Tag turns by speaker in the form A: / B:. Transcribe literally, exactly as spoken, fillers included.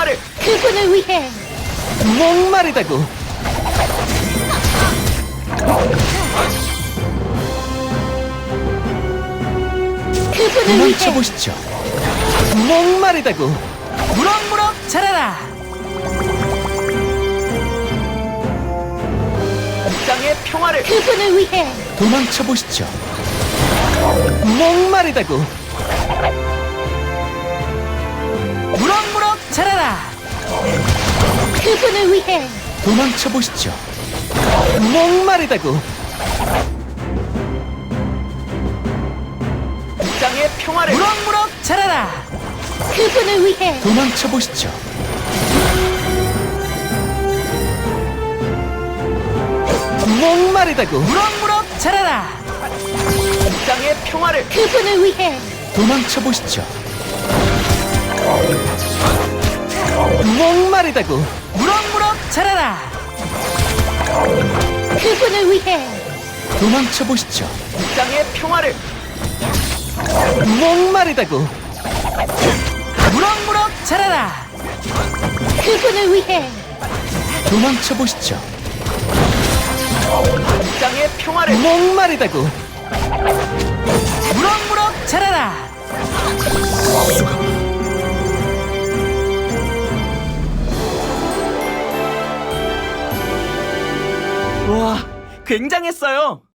A: 평화를
B: 그분을 위해
C: 목마르다고.
B: 그분을 위해
C: 도망쳐보시죠. 목마르다고.
A: 무럭무럭 자라라. 이 땅의 평화를
B: 그분을 위해
C: 도망쳐보시죠. 목마르다고.
A: 무럭무럭 자라라.
B: 그분을 위해
C: 도망쳐보시죠. 목마르다고.
A: 이 땅의 평화를 무럭무럭 자라라.
B: 그분을 위해
C: 도망쳐보시죠. 목마르다고.
A: 무럭무럭 자라라. 이 땅의 평화를
B: 그분을 위해
C: 도망쳐보시죠. 목마르다고.
A: 무럭무럭 자라라.
B: 그분을 위해
C: 도망쳐보시죠.
A: 이 땅의 평화를
C: 목마르다고.
A: 무럭무럭 자라라.
B: 그분을 위해
C: 도망쳐보시죠.
A: 이 땅의 평화를
C: 목마르다고.
A: 무럭무럭 자라라. 와, 굉장했어요.